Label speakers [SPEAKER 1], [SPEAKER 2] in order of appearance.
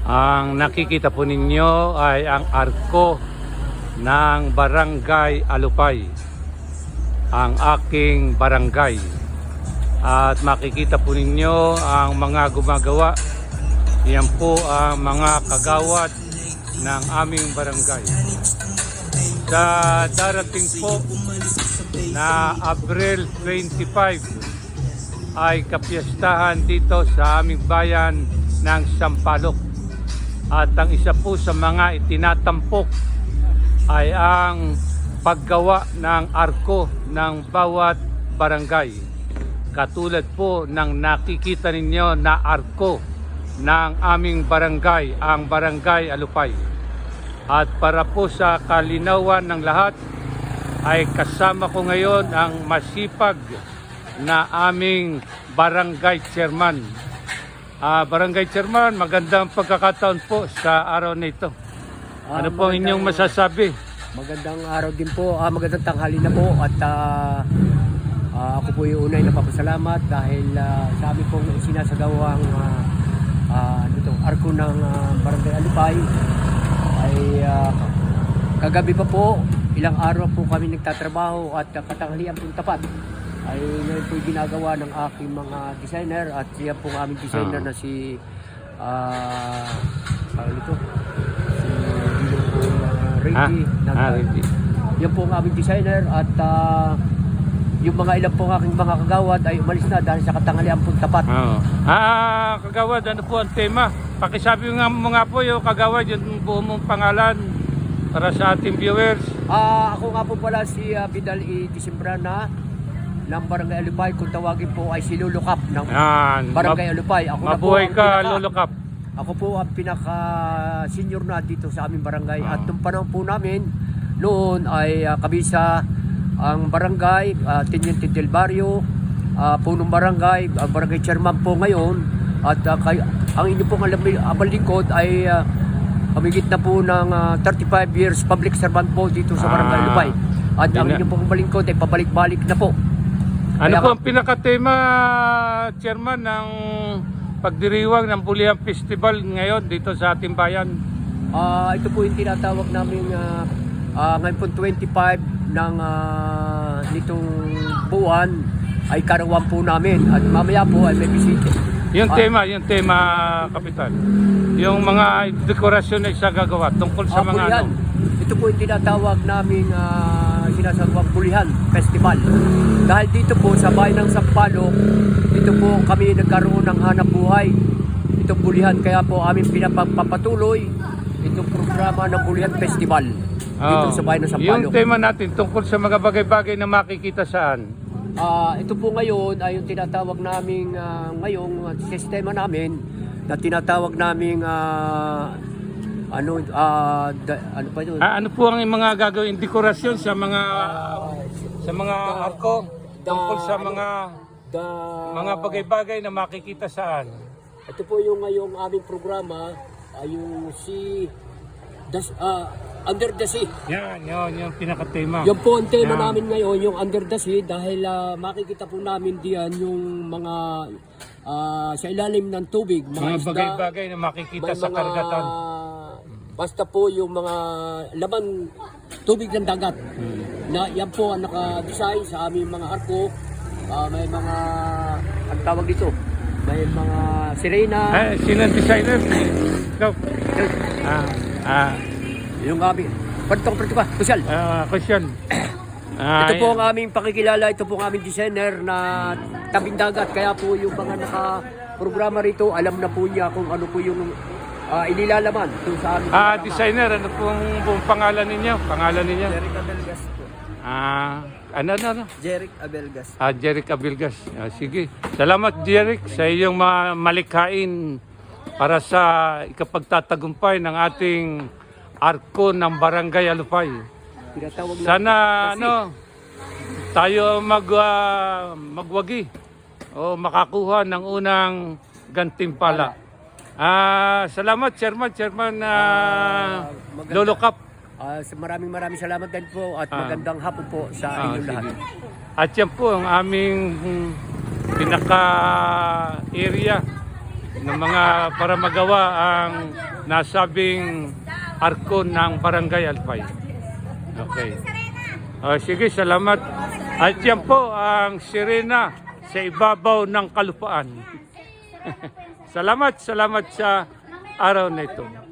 [SPEAKER 1] Ang nakikita po ninyo ay ang arko ng Barangay Alupay, ang aking barangay. At makikita po ninyo ang mga gumagawa. Yan po ang mga kagawad ng aming barangay. Sa darating po na April 25 ay kapiyastahan dito sa aming bayan ng Sampaloc. At ang isa po sa mga itinatampok ay ang paggawa ng arko ng bawat barangay. Katulad po ng nakikita ninyo na arko ng aming barangay, ang Barangay Alupay. At para po sa kalinawan ng lahat, ay kasama ko ngayon ang masipag na aming barangay chairman. Barangay chairman, magandang pagkakataon po sa araw na ito. Ano po inyong masasabi?
[SPEAKER 2] Magandang araw din po, magandang tanghali na po at ako po yung unay na papasalamat dahil sa amin pong sinasagawang arko ng Barangay Alupay ay kagabi pa po, ilang araw po kami nagtatrabaho at katanghalian pong tapat ay ngayon po ginagawa ng aking mga designer at siya pong aming designer na si Reggie.
[SPEAKER 1] Reggie.
[SPEAKER 2] Yan po ang aming designer at yung mga ilang pong aking mga kagawad ay umalis na dahil sa katanghalian pong tapat.
[SPEAKER 1] Kagawad, ano po ang tema? Pakisabi mo nga po yung kagawad, yung buong mong pangalan para sa ating viewers.
[SPEAKER 2] Ako nga po pala si Vidal E. Disimbrana ng Barangay Alupay. Kung tawagin po ay si Lolo Cap ng Barangay Alupay. Ako
[SPEAKER 1] mabuhay ka, Lolo Cap.
[SPEAKER 2] Ako po ang pinaka-senior na dito sa aming barangay. At nung panahon po namin, noon ay kabisa ang barangay, Teniente del Barrio, punong barangay, ang barangay chairman po ngayon. At ang inyo pong abalingkod ay humigit na po ng 35 years public servant po dito sa Barangay Alupay. At ang inyo pong abalingkod ay pabalik-balik na po.
[SPEAKER 1] Ano po ang pinakatema, chairman, ng pagdiriwang ng Bulihan Festival ngayon dito sa ating bayan?
[SPEAKER 2] Ito po yung tinatawag namin ngayon po 25 ng nitong buwan ay karawan po namin at mamaya po ay may bisita.
[SPEAKER 1] Yung tema, Kapitan. Yung mga dekorasyon na isagagawa tungkol sa mga
[SPEAKER 2] Bulihan. Ito po yung tinatawag namin sinasagawang Bulihan Festival. Dahil dito po sa bayan ng Sampaloc, dito po kami nagkaroon ng hanap buhay. Itong Bulihan, kaya po aming pinapapatuloy itong programa ng Bulihan Festival dito sa bayan ng Sampaloc.
[SPEAKER 1] Yung tema natin tungkol sa mga bagay-bagay na makikita saan?
[SPEAKER 2] Ito po ngayon ay yung tinatawag naming ngayong sistema namin na tinatawag naming ano pa yun?
[SPEAKER 1] Ano po ang mga gagawin dekorasyon sa mga arko tungkol sa mga bagay-bagay na makikita saan?
[SPEAKER 2] Ito po yung ngayong aming programa ay yung Under the Sea.
[SPEAKER 1] Yan, yung pinaka-tema.
[SPEAKER 2] Yan po ang tema namin ngayon, yung Under the Sea, dahil makikita po namin diyan yung mga sa ilalim ng tubig.
[SPEAKER 1] Mga bagay-bagay na makikita sa karagatan.
[SPEAKER 2] Basta po yung mga laman tubig ng dagat. Na yan po ang naka-design sa aming mga arko. May mga, ang tawag dito, may mga sirena.
[SPEAKER 1] Sino ang designer? Ikaw?
[SPEAKER 2] Yung aming, pantong ka, Kusyal.
[SPEAKER 1] Kusyal.
[SPEAKER 2] Ito po ang aming pakikilala, ito po ang aming designer na tabing dagat. Kaya po yung mga naka-programa rito, alam na po niya kung ano po yung inilalaman ito sa aming
[SPEAKER 1] designer, ano pong buong pangalan ninyo?
[SPEAKER 3] Jeric Abelgas po.
[SPEAKER 1] Ano?
[SPEAKER 3] Jeric Abelgas.
[SPEAKER 1] Jeric Abelgas. Sige. Salamat, Jeric, sa iyong malikhain para sa ikapagtatagumpay ng ating arko ng Barangay Alupay. Sana tayo magwagi o makakuha ng unang gantimpala. Salamat, Chairman Lolo Cap.
[SPEAKER 2] Maraming salamat din po at magandang hapon po sa inyong lahat.
[SPEAKER 1] At yan po ang aming pinaka-area ng mga para magawa ang nasabing arko ng Barangay Alpay. Okay. Sige, salamat. At yan po ang sirena sa ibabaw ng kalupaan. Salamat sa araw na ito.